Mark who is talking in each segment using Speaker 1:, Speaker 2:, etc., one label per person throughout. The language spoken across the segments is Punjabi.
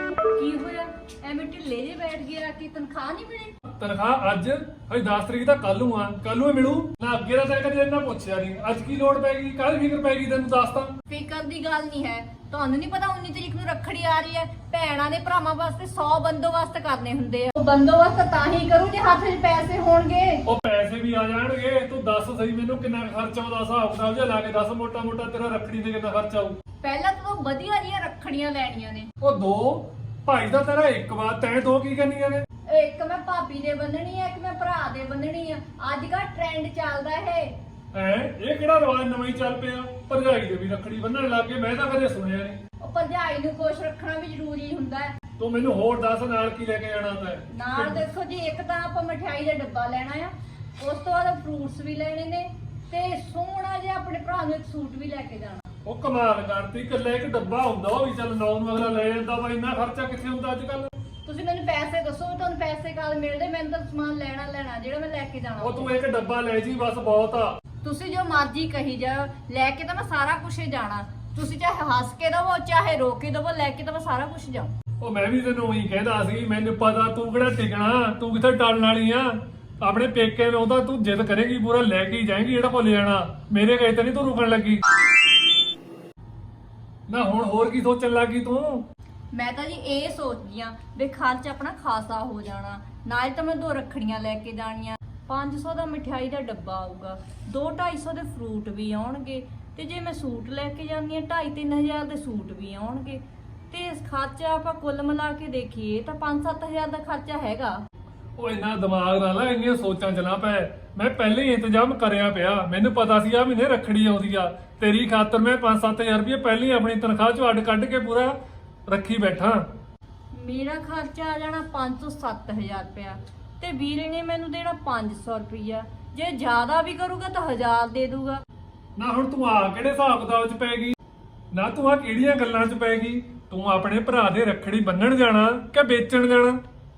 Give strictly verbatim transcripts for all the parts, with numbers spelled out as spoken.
Speaker 1: ਕੀ ਹੋਇਆ ਐਵੇਂ ਢਿੱਲੇ ਜੇ ਬੈਠ ਗਿਆ ਕਿ ਤਨਖਾਹ ਨਹੀਂ ਮਿਲੀ?
Speaker 2: ਤਨਖਾਹ ਅੱਜ ਹਜੇ ਦਸ ਤਰੀਕ ਤਾਂ ਕੱਲ ਨੂੰ ਆ, ਕੱਲ ਨੂੰ ਮਿਲੂ ਨਾ। ਅੱਗੇ ਦਾ ਤਾਂ ਕਦੇ ਇਹਨਾਂ ਪੁੱਛਿਆ ਨਹੀਂ, ਅੱਜ ਕੀ ਲੋੜ ਪੈ ਗਈ, ਕੱਲ ਫਿਕਰ ਪੈ ਗਈ ਤੈਨੂੰ ਦੱਸ ਤਾਂ।
Speaker 1: ਫਿਕਰ ਦੀ ਗੱਲ ਨਹੀਂ ਹੈ, ਤੁਹਾਨੂੰ ਨਹੀਂ ਪਤਾ ਉੱਨੀ ਤਰੀਕ ਨੂੰ ਰੱਖੜੀ ਆ ਰਹੀ ਹੈ। ਭੈਣਾਂ ਦੇ ਭਰਾਵਾਂ ਵਾਸਤੇ ਸੌ ਬੰਦੋਬਸਤ ਕਰਨੇ ਹੁੰਦੇ ਆ। ਉਹ ਬੰਦੋਬਸਤ ਤਾਂ ਹੀ ਕਰੂ ਜੇ ਹੱਥ 'ਚ ਪੈਸੇ ਹੋਣਗੇ।
Speaker 2: ਉਹ ਪੈਸੇ ਵੀ ਆ ਜਾਣਗੇ, ਤੂੰ ਦੱਸ ਸਹੀ ਮੈਨੂੰ ਕਿੰਨਾ ਖਰਚਾ ਆਉਂਦਾ, ਹਿਸਾਬ ਕਿਤਾਬ ਜਿਹਾ ਲਾ ਕੇ ਦੱਸ ਮੋਟਾ ਮੋਟਾ ਤੇਰਾ ਰੱਖੜੀ ਤੇ ਕਿੰਨਾ ਖਰਚਾ ਆਊ।
Speaker 1: ਪਹਿਲਾਂ ਤਾਂ ਤੂੰ ਵਧੀਆ ਜਿਹੀਆਂ ਰੱਖੜੀਆਂ ਲੈਣੀਆਂ ਨੇ।
Speaker 2: ਉਹ ਦੋ ਭਾਈ ਦਾ ਤੇਰਾ ਇੱਕ ਵਾਰ, ਤੈਂ ਦੋ ਕੀ ਕਰਨੀਆਂ ਨੇ?
Speaker 1: ਇੱਕ ਮੈਂ ਭਾਬੀ ਦੇ ਬੰਨਣੀ ਆ, ਇੱਕ ਮੈਂ ਭਰਾ ਦੇ ਬੰਨਣੀ ਆ। ਅੱਜ ਕੱਲ ਟ੍ਰੈਂਡ ਚੱਲਦਾ ਇਹ।
Speaker 2: ਐ ਇਹ ਕਿਹੜਾ ਰਿਵਾਜ ਨਵਾਂ ਹੀ ਚੱਲ ਪਿਆ? ਭਰਜਾਈ ਦੇ ਵੀ ਰੱਖੜੀ ਬੰਨਣ ਲੱਗ ਗਏ, ਮੈਂ ਤਾਂ ਕਦੇ ਸੁਣਿਆ ਨਹੀਂ।
Speaker 1: ਉਹ ਭਰਜਾਈ ਨੂੰ ਖੁਸ਼ ਰੱਖਣਾ ਵੀ ਜ਼ਰੂਰੀ ਹੁੰਦਾ ਹੈ।
Speaker 2: ਤੂੰ ਮੈਨੂੰ ਹੋਰ ਦੱਸ ਨਾਲ ਕੀ ਲੈ ਕੇ ਜਾਣਾ ਤੈਂ?
Speaker 1: ਨਾਲ ਦੇਖੋ ਜੀ, ਇੱਕ ਤਾਂ ਆਪਾਂ ਮਠਿਆਈ ਦਾ ਡੱਬਾ ਲੈਣਾ ਆ, ਉਸ ਤੋਂ ਬਾਅਦ ਫਰੂਟਸ ਵੀ ਲੈਣੇ ਨੇ, ਤੇ ਸੋਹਣਾ ਜਿਹਾ ਆਪਣੇ ਭਰਾ ਨੂੰ ਇੱਕ ਸੂਟ ਵੀ ਲੈ ਕੇ ਜਾਣਾ।
Speaker 2: ਉਹ ਕਮਾਲ ਕਰਤੀ, ਇਕੱਲਾ ਇੱਕ ਡੱਬਾ ਹੁੰਦਾ ਉਹ ਵੀ ਚੱਲ ਨੌ ਨੂੰ ਅਗਲਾ ਲੈ ਜਾਂਦਾ ਵਾ, ਇੰਨਾ ਖਰਚਾ ਕਿੱਥੇ ਹੁੰਦਾ ਅੱਜ ਕੱਲ?
Speaker 1: ਤੁਸੀਂ ਮੈਨੂੰ ਪੈਸੇ ਦੱਸੋ, ਤੁਹਾਨੂੰ ਪੈਸੇ ਕਦ ਮਿਲਦੇ? ਮੈਨੂੰ ਤਾਂ ਸਮਾਨ ਲੈਣਾ ਲੈਣਾ ਜਿਹੜਾ ਮੈਂ ਲੈ ਕੇ ਜਾਣਾ।
Speaker 2: ਉਹ ਤੂੰ ਇੱਕ ਡੱਬਾ ਲੈ ਜੀ ਬਸ, ਬਹੁਤ ਆ।
Speaker 1: ਤੁਸੀਂ ਜੋ ਮਰਜ਼ੀ ਕਹੀ ਜਾਓ, ਲੈ ਕੇ ਤਾਂ ਮੈਂ ਸਾਰਾ ਕੁਝ ਹੀ ਜਾਣਾ। ਤੁਸੀਂ ਚਾਹੇ ਹੱਸ ਕੇ ਦਵੋ ਚਾਹੇ ਰੋ ਕੇ ਦਵੋ, ਲੈ ਕੇ ਤਾਂ ਮੈਂ ਸਾਰਾ ਕੁਝ ਜਾਉ।
Speaker 2: ਉਹ ਮੈਂ ਵੀ ਤੈਨੂੰ ਉਹੀ ਕਹਿੰਦਾ ਸੀ, ਮੈਨੂੰ ਪਤਾ ਤੂੰ ਕਿਹੜਾ ਟਿਕਣਾ, ਤੂੰ ਕਿੱਥੇ ਟਲਣ ਵਾਲੀ ਆ। ਆਪਣੇ ਪੇਕੇ ਨੂੰ ਉਹਦਾ ਤੂੰ ਜਿੱਦ ਕਰੇਗੀ ਪੂਰਾ ਲੈ ਕੇ ਹੀ ਜਾਏਗੀ, ਜਿਹੜਾ ਭੁੱਲ ਜਾਣਾ। ਮੇਰੇ ਕਹੇ ਤੇ ਨਹੀਂ ਤੂੰ ਰੁਕਣ ਲੱਗੀ ਨਾ। ਹੁਣ ਹੋਰ ਕੀ ਸੋਚਣ ਲੱਗੀ ਤੂੰ?
Speaker 1: ਮੈਂ ਤਾਂ ਜੀ ਇਹ ਸੋਚਦੀ ਆ ਵੀ ਖਰਚ ਆਪਣਾ ਖਾਸਾ ਹੋ ਜਾਣਾ। ਨਾਲ ਤਾਂ ਮੈਂ ਦੋ ਰੱਖੜੀਆਂ ਲੈ ਕੇ ਜਾਣੀਆਂ, ਪੰਜ ਸੌ ਦਾ ਮਠਿਆਈ ਦਾ ਡੱਬਾ ਆਊਗਾ, ਦੋ ਢਾਈ ਸੌ ਦੇ ਫਰੂਟ ਵੀ ਆਉਣਗੇ, ਤੇ ਜੇ ਮੈਂ ਸੂਟ ਲੈ ਕੇ ਜਾਂਦੀ ਆ ਢਾਈ ਤਿੰਨ ਹਜ਼ਾਰ ਦੇ ਸੂਟ ਵੀ ਆਉਣਗੇ। ਤੇ ਇਸ ਖਰਚਾ ਆਪਾਂ ਕੁੱਲ ਮਿਲਾ ਕੇ ਦੇਖੀਏ ਤਾਂ ਪੰਜ ਸੱਤ ਹਜ਼ਾਰ ਦਾ ਖਰਚਾ ਹੈਗਾ।
Speaker 2: ਉਹ ਇੰਨਾ ਦਿਮਾਗ ਨਾਲ ਨਾ ਇੰਨੀਆਂ ਸੋਚਾਂ ਚ ਨਾ ਪੈ, ਮੈਂ ਪਹਿਲੇ ਹੀ ਇੰਤਜ਼ਾਮ ਕਰਿਆ ਪਿਆ। ਮੈਨੂੰ ਪਤਾ ਸੀ ਆ ਮਹੀਨੇ ਰੱਖੜੀ ਆਉਂਦੀ ਆ, ਤੇਰੀ ਖਾਤਰ ਮੈਂ ਪੰਜ ਸੱਤ ਹਜ਼ਾਰ ਰੁਪਏ ਪਹਿਲੇ ਹੀ ਆਪਣੀ ਤਨਖਾਹ ਚੋਂ ਅੱਡ ਕੱਢ ਕੇ ਪੂਰਾ ਰੱਖੀ ਬੈਠਾ।
Speaker 1: ਮੇਰਾ ਖਰਚਾ ਆ ਜਾਣਾ ਪੰਜ ਤੋਂ ਸੱਤ ਹਜ਼ਾਰ ਰੁਪਇਆ, ਤੇ ਵੀਰੇ ਨੇ ਮੈਨੂੰ ਦੇਣਾ ਪੰਜ ਸੌ ਰੁਪਇਆ। ਜੇ ਜ਼ਿਆਦਾ ਵੀ ਕਰੂਗਾ ਤਾਂ ਹਜ਼ਾਰ ਦੇ ਦੂਗਾ।
Speaker 2: ਨਾ ਹੁਣ ਤੂੰ ਆ ਕਿਹੜੇ ਹਿਸਾਬ ਕਿਤਾਬ ਚ ਪੈ ਗਈ? ਨਾ ਤੂੰ ਆ ਕਿਹੜੀਆਂ ਗੱਲਾਂ ਚ ਪੈ ਗਈ? ਤੂੰ ਆਪਣੇ ਭਰਾ ਦੇ ਰੱਖੜੀ ਬੰਨਣ ਜਾਣਾ ਕਿ ਵੇਚਣ ਜਾਣਾ?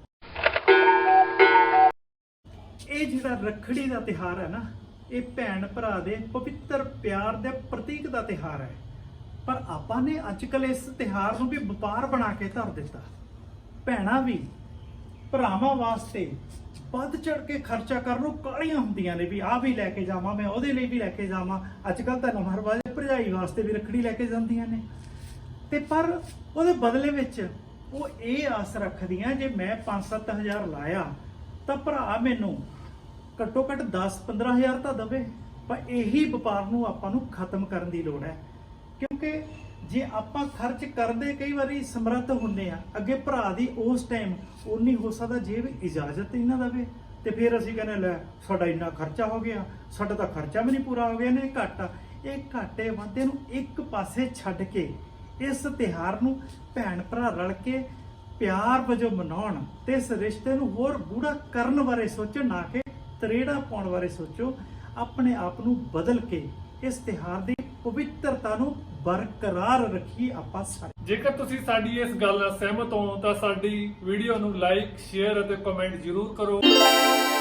Speaker 3: ਇਹ ਜਿਹੜਾ ਰੱਖੜੀ ਦਾ ਤਿਹਾਰ ਹੈ ਨਾ, ਇਹ ਭੈਣ ਭਰਾ ਦੇ ਪਵਿੱਤਰ ਪਿਆਰ ਦੇ ਪ੍ਰਤੀਕ ਦਾ ਤਿਹਾਰ ਹੈ। ਪਰ ਆਪਾਂ ਨੇ ਅੱਜ ਕੱਲ ਇਸ ਤਿਹਾਰ ਨੂੰ ਵੀ ਵਪਾਰ ਬਣਾ ਕੇ ਧਰ ਦਿੱਤਾ। ਭੈਣਾਂ ਵੀ ਭਰਾਵਾਂ ਵਾਸਤੇ ਵੱਧ ਚੜ ਕੇ ਖਰਚਾ ਕਰਨ ਨੂੰ ਕਾਹਲੀਆਂ ਹੁੰਦੀਆਂ ਨੇ ਵੀ ਆਹ ਵੀ ਲੈ ਕੇ ਜਾਵਾਂ, ਮੈਂ ਉਹਦੇ ਲਈ ਵੀ ਲੈ ਕੇ ਜਾਵਾਂ। ਅੱਜ ਕੱਲ ਤਾਂ ਨਵਾਂ ਰਿਵਾਜ ਭਰਜਾਈ ਵਾਸਤੇ ਵੀ ਰੱਖੜੀ ਲੈ ਕੇ ਜਾਂਦੀਆਂ ਨੇ, ਤੇ ਪਰ ਉਹਦੇ ਬਦਲੇ ਵਿੱਚ ਉਹ ਇਹ ਆਸ ਰੱਖਦੀਆਂ ਜੇ ਮੈਂ ਪੰਜ ਸੱਤ ਹਜ਼ਾਰ ਲਾਇਆ ਤਾਂ ਭਰਾ ਮੈਨੂੰ ਘੱਟੋ ਘੱਟ ਦਸ ਪੰਦਰਾਂ ਹਜ਼ਾਰ ਤਾਂ ਦਵੇ। ਪਰ ਇਹੀ ਵਪਾਰ ਨੂੰ ਆਪਾਂ ਨੂੰ ਖਤਮ ਕਰਨ ਦੀ ਲੋੜ ਹੈ, ਕਿਉਂਕਿ ਜੇ ਆਪਾਂ ਖਰਚ ਕਰਦੇ ਕਈ ਵਾਰੀ ਸਮਰੱਥ ਹੁੰਨੇ ਆ, ਅੱਗੇ ਭਰਾ ਦੀ ਉਸ ਟਾਈਮ ਉਨੀ ਹੋ ਸਕਦਾ ਜੇ ਵੀ ਇਜਾਜ਼ਤ ਹੀ ਨਾ ਦੇਵੇ, ਤੇ ਫਿਰ ਅਸੀਂ ਕਹਿੰਦੇ ਲੈ ਸਾਡਾ ਇੰਨਾ ਖਰਚਾ ਹੋ ਗਿਆ, ਸਾਡਾ ਤਾਂ ਖਰਚਾ ਵੀ ਨਹੀਂ ਪੂਰਾ ਹੋ ਗਿਆ ਨੇ, ਘਾਟਾ। ਇਹ ਘਾਟੇ ਵਾਧੇ ਨੂੰ ਇੱਕ ਪਾਸੇ ਛੱਡ ਕੇ ਇਸ ਤਿਹਾਰ ਨੂੰ ਭੈਣ ਭਰਾ ਰਲ ਕੇ ਪਿਆਰ ਵਜੋਂ ਮਨਾਉਣ ਤੇ ਇਸ ਰਿਸ਼ਤੇ ਨੂੰ ਹੋਰ ਗੂੜਾ ਕਰਨ ਬਾਰੇ ਸੋਚੋ, ਨਾ ਕਿ ਤਰੇੜਾ ਪਾਉਣ ਬਾਰੇ ਸੋਚੋ। ਆਪਣੇ ਆਪ ਨੂੰ ਬਦਲ ਕੇ ਇਸ ਤਿਹਾਰ ਦੀ ਪਵਿੱਤਰਤਾ ਨੂੰ ਬਰਕਰਾਰ ਰੱਖੀ ਆਪਾਂ ਸਾਰੇ।
Speaker 2: ਜੇਕਰ ਤੁਸੀਂ ਸਾਡੀ ਇਸ ਗੱਲ ਨਾਲ ਸਹਿਮਤ ਹੋ ਤਾਂ ਸਾਡੀ ਵੀਡੀਓ ਨੂੰ ਲਾਈਕ, ਸ਼ੇਅਰ ਅਤੇ ਕਮੈਂਟ ਜ਼ਰੂਰ ਕਰੋ।